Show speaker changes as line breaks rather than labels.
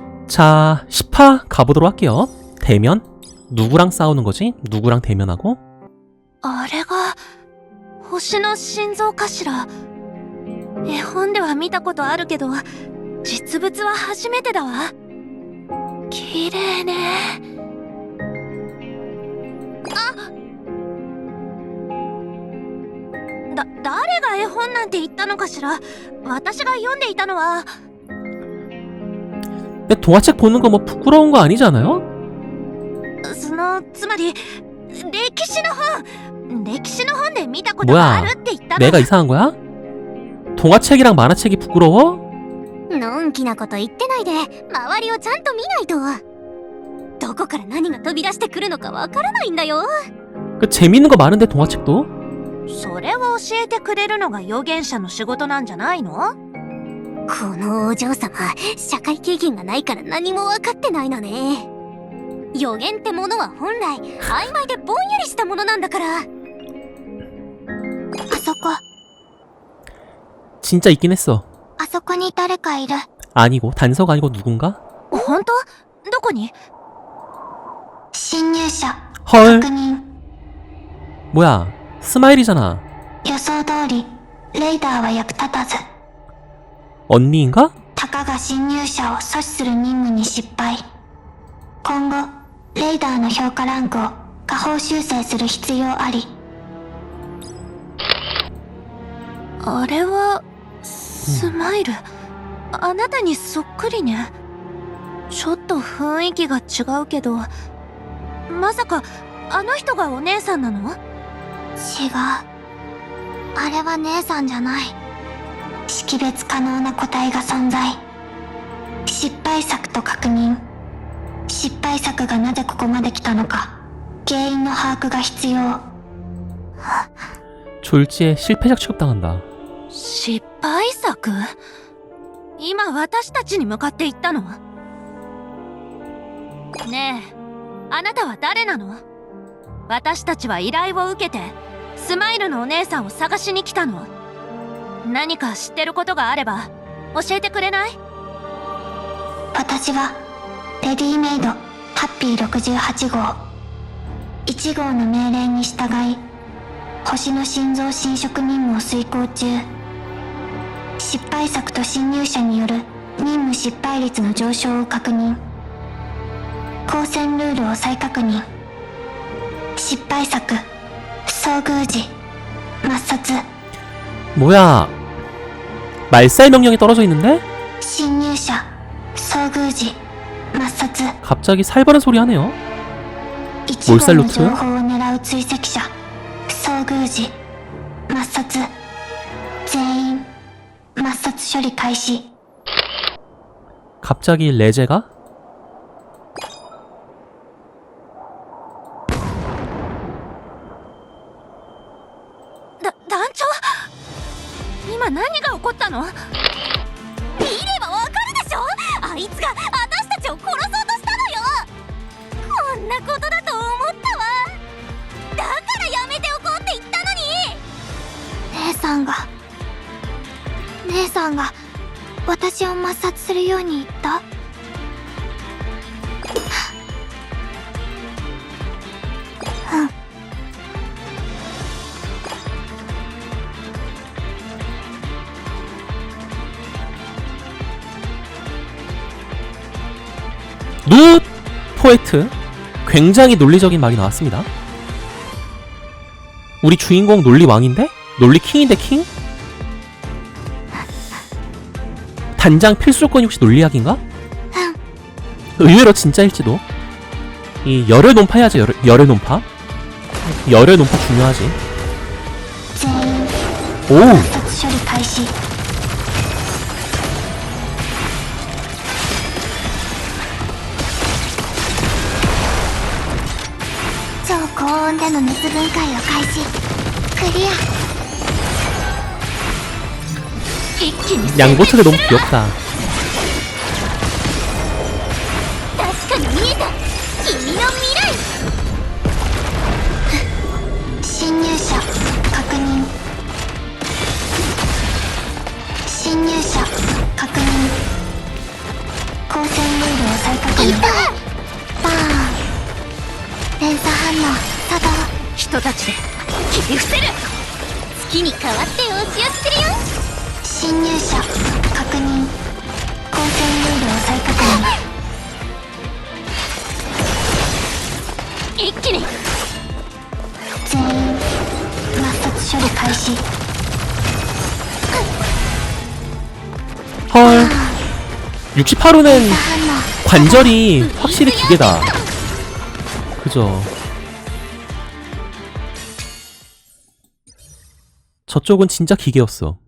자, 10화 가보도록 할게요. 대면? 누구랑 싸우는 거지? 누구랑 대면하고?
あれが星の心臓かしら。絵本では見たことあるけど実物は初めてだわ。綺麗ね。誰が絵本なんて言ったのかしら。私が読んでいたのは。
근데 동화책 보는 거 뭐 부끄러운 거 아니잖아요?
つまり歴史の本で見たことがあるって言ったの。
내가 이상한 거야? 동화책이랑 만화책이 부끄러워?
のんきなこと言ってないで周りをちゃんと見ないと。どこから何が飛び出してくるのかわからないんだよ。
그 재밌는 거 많은데 동화책도?
それを教えてくれるのが預言者の仕事なんじゃないの？このお嬢様、社会経験がないから何も分かってないのね。予言ってものは本来曖昧でぼんやりしたものなんだから。あそこ
진짜 있긴 했어.
あそこに誰かいる。
아니고 단서가 아니고 누군가?
本当？どこに？侵入者
헐
確認。
뭐야 스마일이잖아.
予想通りレイダーは役立たず。
언니인가?
たかが侵入者を阻止する任務に失敗。今後レイダーの評価ランクを下方修正する必要あり。あれはスマイル、あなたにそっくりね。ちょっと雰囲気が違うけど、まさかあの人がお姉さんなの？違う、あれは姉さんじゃない。識別可能な個体が存在。失敗作と確認。失敗作がなぜここまで来たのか原因の把握が必要。
졸지에 실패작 취급당한다.
失敗作？今私たちに向かって言ったの？ねえ、あなたは誰なの？私たちは依頼を受けてスマイルのお姉さんを探しに来たの。何か知ってることがあれば教えてくれない？私はレディメイドハッピー68号。1号の命令に従い星の心臓侵食任務を遂行中。失敗作と侵入者による任務失敗率の上昇を確認。交戦ルールを再確認。失敗作遭遇時抹殺。
뭐야 말살 명령이 떨어져 있는데?
侵入者遭遇時抹殺。
갑자기 살벌한 소리 하네요.
1号の情報を狙う追跡者遭遇時抹殺。全員抹殺処理開始。
갑자기 레제가?
団長、今何が起こったの？見ればわかるでしょ。あいつが私たちを殺そうとしたのよ。こんなことだと思ったわ。だからやめておこうって言ったのに。姉さんが私を抹殺するように言った。
누 포에트 굉장히 논리적인 말이 나왔습니다. 우리 주인공 논리 왕인데? 논리 킹인데 킹? 단장 필수 조건이 혹시 논리학인가? 의외로 진짜일지도. 이 열혈 논파 해야지. 열혈 논파. 열혈 논파 중요하지. 오.
超高温での熱分解を開始。クリア。一気に
양보차가 너무 귀엽다.
確かに見えた。君の未来。侵入者確認。侵入者確認。交戦ルール
再確認。バーン。連鎖反応作動。
人たちで切り伏せる。月に代わって押し寄せるよ。
侵入者確認。光線ルールを再確認。
一気に
全員抹殺処理開始。
헐 68호는
連鎖反応
관절이 확실히 기계다. 그죠. 저쪽은 진짜 기계였어.